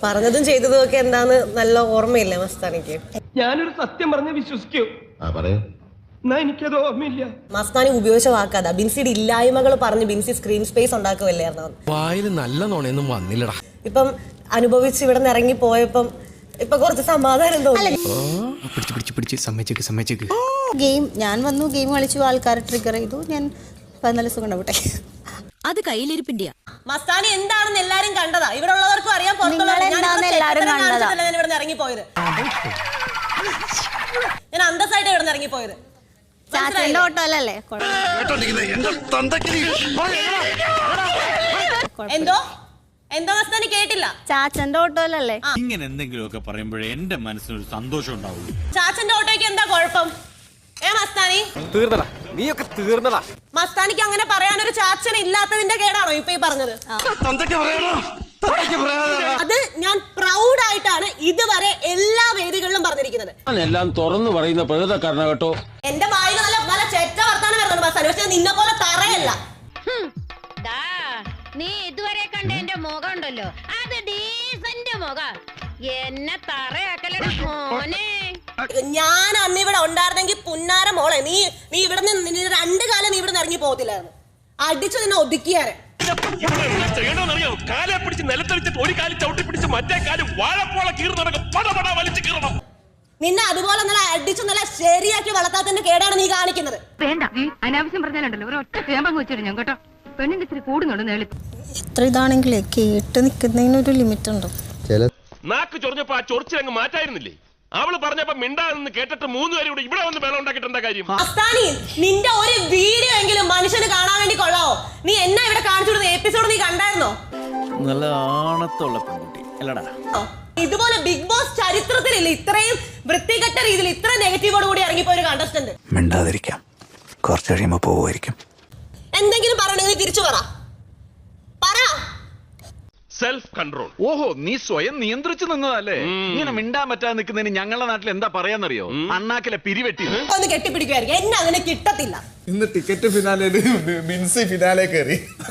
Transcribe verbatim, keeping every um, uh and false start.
പറഞ്ഞതും ചെയ്തതും ഒക്കെ എന്താന്ന് നല്ല ഓർമ്മയില്ലേ മസ്താനിക്ക്? ഞാനൊരു സത്യം പറഞ്ഞ് വിശ്വസിക്കൂ. എന്നാ എനിക്കത് ഓർമ്മയില്ല. മസ്താനി ഉപയോഗിച്ച വാക്കാതാ, ബിൻസിയുടെ ഇല്ലായ്മകൾ പറഞ്ഞ് ബിൻസി സ്ക്രീൻ സ്പേസ് ഉണ്ടാക്കുമല്ലായിരുന്നു. വായിൽ നല്ല നോണയൊന്നും വന്നില്ലടാ. ഇപ്പം അനുഭവിച്ച് ഇവിടെ നിന്ന് ഇറങ്ങി പോയപ്പം ഇപ്പൊ കുറച്ച് സമാധാനം തോന്നി. ഗെയിം ഞാൻ വന്നു, ഗെയിം കളിച്ചു, ആൾക്കാരെ ട്രിഗർ ചെയ്തു, ഞാൻ പതിനാല് ദിവസം കൊണ്ടുപോട്ടെ. അത് കയ്യിലിരിപ്പിന്റെയാ. മസ്താനി എന്താണെന്ന് എല്ലാരും കണ്ടതാ, ഇവിടെ ഉള്ളവർക്കും അറിയാം, ഇവിടെ ഇറങ്ങിപ്പോയത്. ഞാൻ അന്തസ്സായിട്ട് ഇവിടെ നിന്ന് ഇറങ്ങിപ്പോയത്. ചാച്ചന്റെ ഓട്ടോ അല്ലല്ലേ? എന്തോ എന്തോ മസ്താനി കേട്ടില്ല. ചാച്ചന്റെ ഓട്ടോ അല്ലല്ലേ? ഇങ്ങനെ എന്തെങ്കിലുമൊക്കെ പറയുമ്പോഴേ എന്റെ മനസ്സിനൊരു സന്തോഷം ഉണ്ടാവുള്ളൂ. ചാച്ചന്റെ ഓട്ടോയ്ക്ക് എന്താ കുഴപ്പം? ഏ മസ്താനി തീർന്നടാ, നീയൊക്കെ തീർന്നടാ. മസ്താനിക്ക് അങ്ങനെ പറയാനൊരു ചാച്ചൻ ഇല്ലാത്തതിന്റെ കേടാണോ ഇപ്പൊ ഈ പറഞ്ഞത്? അത് ഞാൻ പ്രൗഡ് ആയിട്ടാണ് ഇതുവരെ എല്ലാ വേദികളിലും പറഞ്ഞിരിക്കുന്നത്. എല്ലാം തുറന്നു പറയുന്ന പ്രകൃതക്കാരന കേട്ടോ. എന്റെ വായിൽ നല്ല നല്ല ചെറ്റ വർത്താനം വരുന്നുണ്ട് മസ്താനി, പക്ഷെ നിന്നെ പോലെ തറയല്ല. നീ ഇതുവരെ കണ്ട എന്റെ മുഖം ഉണ്ടല്ലോ, അത് ഡീസന്റ് മുഖം. എന്നെ തറയാക്കലടാ മോനെ. ഞാൻ അന്ന് ഇവിടെ ഉണ്ടായിരുന്നെങ്കിൽ പുന്നാര മോളെ, നീ നീ ഇവിടെ നിന്ന് രണ്ടു കാലം നീ ഇവിടെ നിന്ന് ഇറങ്ങി പോകത്തില്ലായിരുന്നു. അടിച്ചു നിന്നെ ഒതുക്കിയാരെ. കാലെ പിടിച്ച് നിലത്തടിച്ചിട്ട് ഒരു കാലം ചവിട്ടി പിടിച്ച് മറ്റേ കാലം വാഴപ്പോള കീറുന്ന പടപട വലിച്ചു കീറണം. നിന്നെ അതുപോലെ നല്ല അടിച്ചു നല്ല ശരിയാക്കി വളർത്താത്തതിന്റെ കേടാണ് നീ കാണിക്കുന്നത്. വേണ്ട, അനാവശ്യം പറഞ്ഞാലുണ്ടല്ലോ ഒരു ഒറ്റ ചേമ്പങ്ങ് വെച്ചിട്ട് ഞാൻ കേട്ടോ. പെണ്ണിന്റെ ഇച്ചിരി കൂടുന്നുണ്ട് നേളി. എത്ര ഇതാണെങ്കിലേ കേട്ട് നിൽക്കുന്നതിനൊരു ലിമിറ്റ് ഉണ്ട്. നാക്ക് ചൊറിഞ്ഞപ്പോ ആ ചൊറിച്ചിലങ്ങ് മാറ്റായിരുന്നില്ലേ? അവള് പറഞ്ഞപ്പോ മിണ്ടാന്ന് കേട്ടിട്ട് മൂന്ന് പേരും കൂടെ ഇവിടെ വന്ന് ബലം ഉണ്ടാക്കിട്ട് എന്താ കാര്യം? മസ്താനി, നിന്റെ ഒരു വീഡിയോ എങ്കിലും മനുഷ്യന് കാണാൻ വേണ്ടി കൊള്ളാവോ? നീ എന്നാ ഇവിടെ കാണിച്ചു കൊടുത്ത എപ്പിസോഡ് നീ കണ്ടായിരുന്നോ? നല്ല ആണത്തുള്ള പെൺകുട്ടി അല്ലടാ. ഇതുപോലെ ബിഗ് ബോസ് ചരിത്രത്തിലില്ല ഇത്രയും വൃത്തികെട്ട രീതിയിൽ ഇത്ര നെഗറ്റീവോട് കൂടി ഇറങ്ങിപ്പോയ ഒരു കണ്ടസ്റ്റന്റ്. മിണ്ടാതിരിക്കാം, കുറച്ച് കഴിയുമ്പോ പോവുമായിരിക്കും. എന്തെങ്കിലും പറയണെങ്കിൽ തിരിച്ചു പറ പറ സെൽഫ് കൺട്രോൾ. ഓഹോ, നീ സ്വയം നിയന്ത്രിച്ചു നിന്നതല്ലേ? ഇങ്ങനെ മിണ്ടാൻ പറ്റാതെ നിൽക്കുന്നതിന് ഞങ്ങളുടെ നാട്ടിൽ എന്താ പറയാന്നറിയോ? അണ്ണാക്കിലെ പിരിവെട്ടി ഒന്ന് കെട്ടിപ്പിടിക്കുമായിരിക്കും. എന്നെ അതിനെ കിട്ടത്തില്ല. ഇന്ന് ടിക്കറ്റ് ഫിനാലെ ബിൻസി ഫിനാലെ കയറി.